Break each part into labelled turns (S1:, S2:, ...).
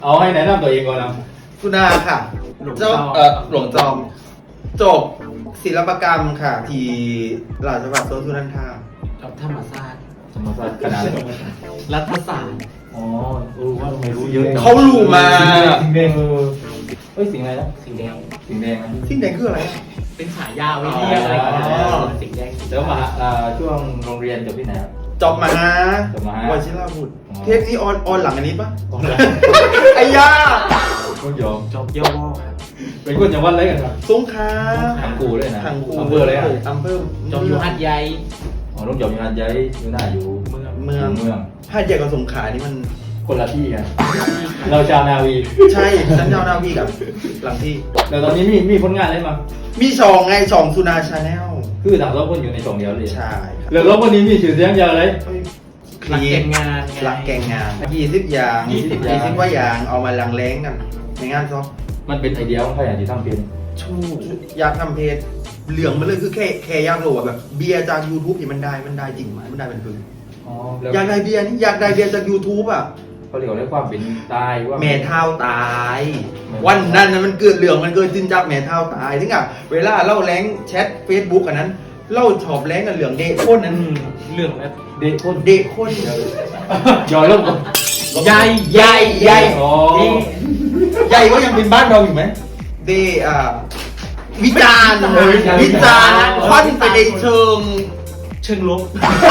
S1: เอาให้แนะนำตัวเองก่อนนะ
S2: สุนาค่ะเจ้าหลวงจอมจบศิลปกรรมค่ะ ที่ราชภัฏสวนสุนันทา
S3: จบธรรมศาสตร์
S1: สมศาสตร์คณะอะไร
S3: รัฐศาสตร์
S1: อ๋อว่าทำไมรู้เยอะจัง
S2: เขารู้มา
S1: สิ่งแดงเฮ้ยสิ่งอะไรนะ
S3: สีแดง
S1: สิ่งแดงนะ
S2: สิ่งแดงคืออะไร
S3: เป็นฉายาไว้เรียกอะไรกันนะสีแดง
S1: แล้วมาช่วงโรงเรียนจบที่ไหนครับ
S2: จบมานะ
S1: จบมา
S2: วชิราบุตร
S1: อ๋อ
S2: เทปนี้ออนหลังอันนี้ปะ
S1: อ๋อเหรอ
S2: ไอ้ย่า
S1: ก็ยอม
S3: จบย่อครับ
S1: เป็นคนจังหวัดอะไรกันครับ
S2: สงขลา
S1: ทางกูเลยนะ
S2: ทางกู
S1: อำเภออะไรอ่ะ
S2: อำเภอ
S3: จบอยู่หัดใหญ่
S1: อ๋อต้องจบอยู่งานย้ายอยู่หน้าอยู่
S3: เมือง
S2: เมือง
S1: เมือง
S2: หาดใหญ่กับสงขลานี่มัน
S1: คนละที่กันเราชาวนาวี
S2: ใช่ฉันเจ้าหน้าพี่กับหลังที่
S1: แล้วตอนนี้มีผลงานอะไรมา
S2: มีช่องไงช่องสุนาชาแนล
S1: คือต่างเราคนอยู่ในช่องเดียวเลย
S2: ใช่ครับ
S1: แล้วเราคนนี้มีชื่อเสียงอย่างไร
S3: หลักแก่งงาน
S2: หลักแกงงาน20 อย่าง
S1: 20
S2: ว่าอย่างเอามาลังแล้งกันในงานซอ
S1: มันเป็นไอเดียของใครอย่างที่ทำเป็น
S2: ชูอยากทำเพจเหลืองมันเลยคือแค่อยากรู้ว่าแบบเบียร์จาก YouTube นี่มันได้จริงไหมมันได้เป็นพึ่ง
S1: อ๋อแล้ว
S2: อยากได้เบียร์นี่อยากได้เบียร์จาก YouTube อ่ะ
S1: เขาเรียกว่าได้ความเป็นตายว่า
S2: แม่เท่าตาย วันนั้นน่ะมันเกิดเหลืองมันเกิดจินจักแม่เท่าตายถึงอ่ะเวลาเล่าแรงแชท Facebook อันนั้นเล่าชอบแรงกันเหลืองเดะโคนนั้น
S3: เรื่องแบบ
S1: เด็กคน
S2: เดะโคน
S1: ย่อยลง
S3: ใหญ่
S2: ใหญ่
S1: อ๋อ
S2: ใหญ่ก็ยังเป็นบ้านเราอยู่ไหมเดวิจารณ์วิจารณ์ควันไปในเชิง
S3: เชิงลบ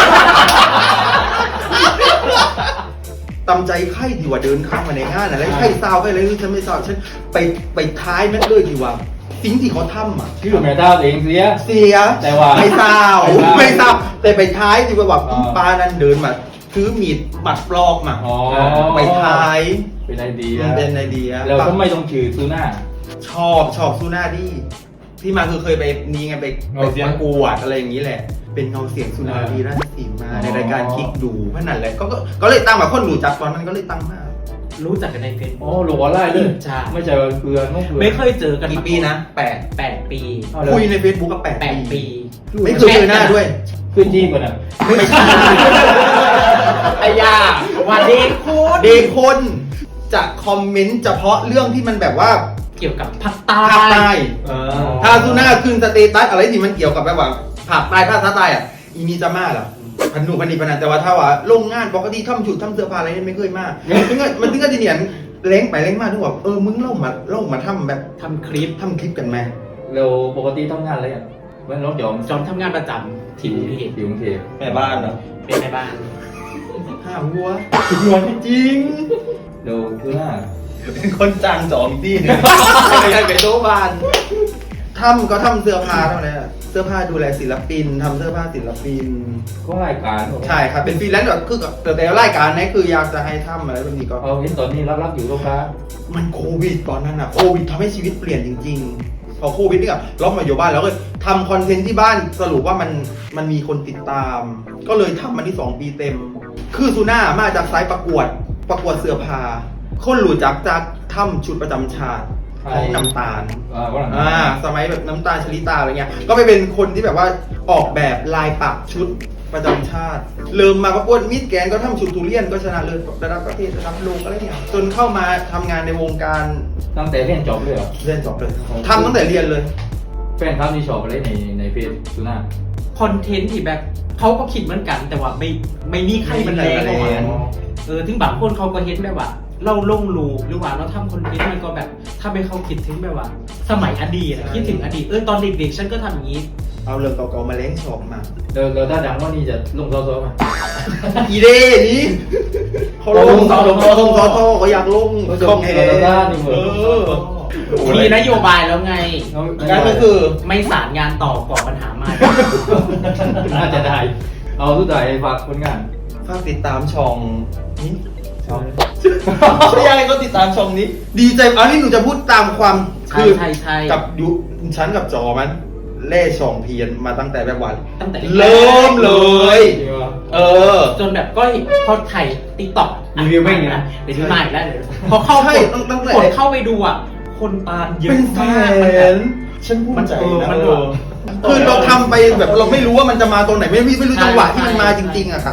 S2: ตำใจไข้ดีกว่าเดินข้ามมาในงานอะไรไข้ซาวไข้อะไรฉันไม่ทราบฉันไปท้ายแม่เลยดีกว่าสิ่งที่เขาทำอ่ะ
S1: ชื่อแม่ท่าเองเสีย
S2: เสีย
S1: แต่ว่า
S2: ไม่ทราบ
S1: ไม่ทราบ
S2: ไม่ทราบแต่ไปท้ายดีกว่าแบบ
S1: อ๋อ
S2: ปลานั้นเดินมาถือมีดปัดปลอกมา
S1: อ๋อ
S2: ไปท้าย
S1: เป็นไอเดีย
S2: มันเป็นไอเดีย
S1: แล้วทำไมต้องชื่อซูน่า
S2: ชอบซูน่าดีที่มาคือเคยไปนี่ไงไป
S1: เงาเสียง
S2: ประกวดอะไรอย่างนี้แหละ เป็นเงาเสียงซูน่าดีราชสีมา
S1: อ๋อ
S2: ในรายการคลิกดูเพราะนั่นแหละก็เลยตั้งแบบคนรู้จักตอนนั้นก็เลยตั้งมา
S3: รู้จักกันในเฟซ
S1: อ๋อหลวงวอลไล่เลย
S3: ใช่
S1: ไม่ใช่ว่าเกลือน้องเกลือ
S3: ไม่เคยเจอกัน
S2: กี่ปีนะ8
S3: 8 ปี
S1: เอาแล้ว
S2: คุยใน Facebook ก็8
S3: 8 ปี
S2: ไม่เคยเจอหน้าด้วย
S1: ขึ้นจีบกันอ่ะ
S2: ไม่ใช่
S3: ไอ้ยาวันนี้คุณ
S2: เดคนจะคอมเมนต์เฉพาะเรื่องที่มันแบบว่า
S3: เกี่ยวกับภาคใต้
S2: ภาคใต้
S3: เออ
S2: ถ้าซูน่าขึ้นสเตตัสอะไรที่มันเกี่ยวกับแบบว่าภาคใต้ภาคใต้อ่ะอีนี่จะมาล่ะพันหนูพันนีพันนันแต่ว่าถ้าว่าโรงงานปกติทำชุดทำเสื้อผ้าอะไรนี่ไม่เคยมามันถึงก็จะเนี่ยเล้งไปเล้งมาถึงว่ามึงเล่ามาทำแบบ
S3: ทำคลิป
S2: ทำคลิปกันไหม
S1: เราปกติทำงานอะไรอ่ะเมื่อน้องจอม
S3: จอมทำงานประจำที่กรุงเทพ
S1: ที่กรุงเทพ
S2: แม่บ้านเหรอ
S3: เป็นแม่บ้าน
S2: ห้าหัวหัวจริง
S1: เราคือหน้า
S2: เป็นคนจ้างจองที่นึงไม่ใช่เป็นโต๊ะบ้านทำก็ทำเสื้อผ้าเท่านั้นอะเสื้อผ้าดูแลศิลปินทำเสื้อผ้าศิลปิน
S1: ก็รายการ
S2: ใช่ครับเป็นฟรีแลนซ์แบบคือแต่รายการนี้คืออยากจะให้ทำอะไรแบบนี้ก็
S1: เอาเห็นตอนนี้รับอยู่ลูกค้า
S2: มันโควิดตอนนั้นอะโควิดทำให้ชีวิตเปลี่ยนจริงๆ พอโควิดนี่ก็ล็อกมาอยู่บ้านแล้วก็ทำคอนเทนต์ที่บ้านสรุปว่ามันมีคนติดตาม ก็เลยทำมันที่2 ปีเต็ม คือซูน่ามาจากสายประกวดเสื้อผ้าคนรู้จักจากทำชุดประจำชาติของน้ำตาล
S1: ก็หลัง
S2: สมัยแบบน้ำตาลชลิตาอะไรเงี้ย ก็ไปเป็นคนที่แบบว่าออกแบบลายปักชุดประจำชาติ เริ่มมาประกวดมิสแกรนด์ก็ทำชุดทุเรียนก็ชนะเลิศระดับประเทศระดับโลกอะไรเงี้ย จนเข้ามาทำงานในวงการ
S1: ตั้งแต่เรียนจบเลยเหรอ
S2: เรียนจบเลยทำตั้งแต่เรียนเลย
S1: แฟนครับนี่ชอบอะไรในเพจซูน่า
S3: คอนเทนต์ที่แบบเขาก็คิดเหมือนกัน แต่ว่าไม่มีใครมันแรงออกมาถึงบางคนเขาก็เห็นแบบว่า เราลงรูปหรือว่าเราทำคอนเทนต์มันก็แบบถ้าไปเขาคิดถึงแบบว่า สมัยอดีตอะคิดถึงอดีตตอนเด็กๆฉันก็ทำอย่างนี้
S2: เอาเรื่องเก่าๆมาเล้งชอบมา
S1: เราถ้าดังว่านี่จะลงโซโซไหม
S2: อีเดนี้เขาลงเขาอยากลง
S1: ช่องเอด้านี่เหมือน
S3: มีนโยบายแล้วไง
S2: การก็คือ
S3: ไม่สารงานต่อก่อปัญหาใหม่
S1: น่าจะได้ เอาสุดท้ายฝากผลงาน
S2: ฝากติดตามช่องนี้
S1: ช่อง
S2: ไม่ยังไงก็ติดตามช่องนี้ ดีใจอันนี้หนูจะพูดตามความ
S3: ใช่ใช่
S2: กับยุฉันกับจอมันเล่ช่องเพียนมาตั้งแต่แบบวัน
S3: ตั้งแต่
S2: เริ่มเลย
S1: จริงวะ
S3: จนแบบก็พอถ่ายติ๊กต็อก
S1: รีวิวไม่เงี้ย
S3: เดี๋ยวมาอีกแล้วเดี๋ยวพอเข้า
S2: ใช่
S3: กด
S2: ตั้งแต่
S3: กดเข้าไปดูอ่ะ คนตามเยอะ
S2: เป็นแส
S3: มาก
S2: นฉันพูดใจนะ
S3: มัน
S2: คือเราทำไปแบบเราไม่รู้ว่ามันจะมาตรงไหนไม่รู้จังหวะที่มันมาจริงๆอะค่ะ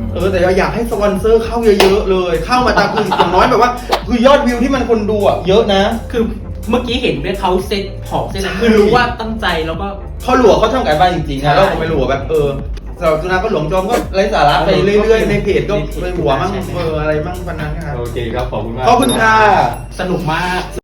S2: แต่อยากให้สปอนเซอร์เข้าเยอะๆเลย เข้ามาตามคืออย่างน้อยแบบว่า คือยอดวิวที่มันคนดูอ่ะเยอะนะ
S3: คือเมื่อกี้เห็นด้วยเขาเซ็ตของเซ็ต
S2: ใช่
S3: คือรู้ว่าตั้งใจแล้วก็
S2: เขาหลวเขาทำการบ้านจริงๆ
S3: ใช่
S2: นะเราก็ไม่หลวแบบสำหรับจุฬาก็หลวงจอมก็ไร้สาระไปเรื่อยๆในเพจก็ไปหัวมั่งอะไรมั่งพันนั้นครับ
S1: โอเคครับ ขอบคุณมาก
S2: ขอบคุณค่ะ
S3: สนุกมาก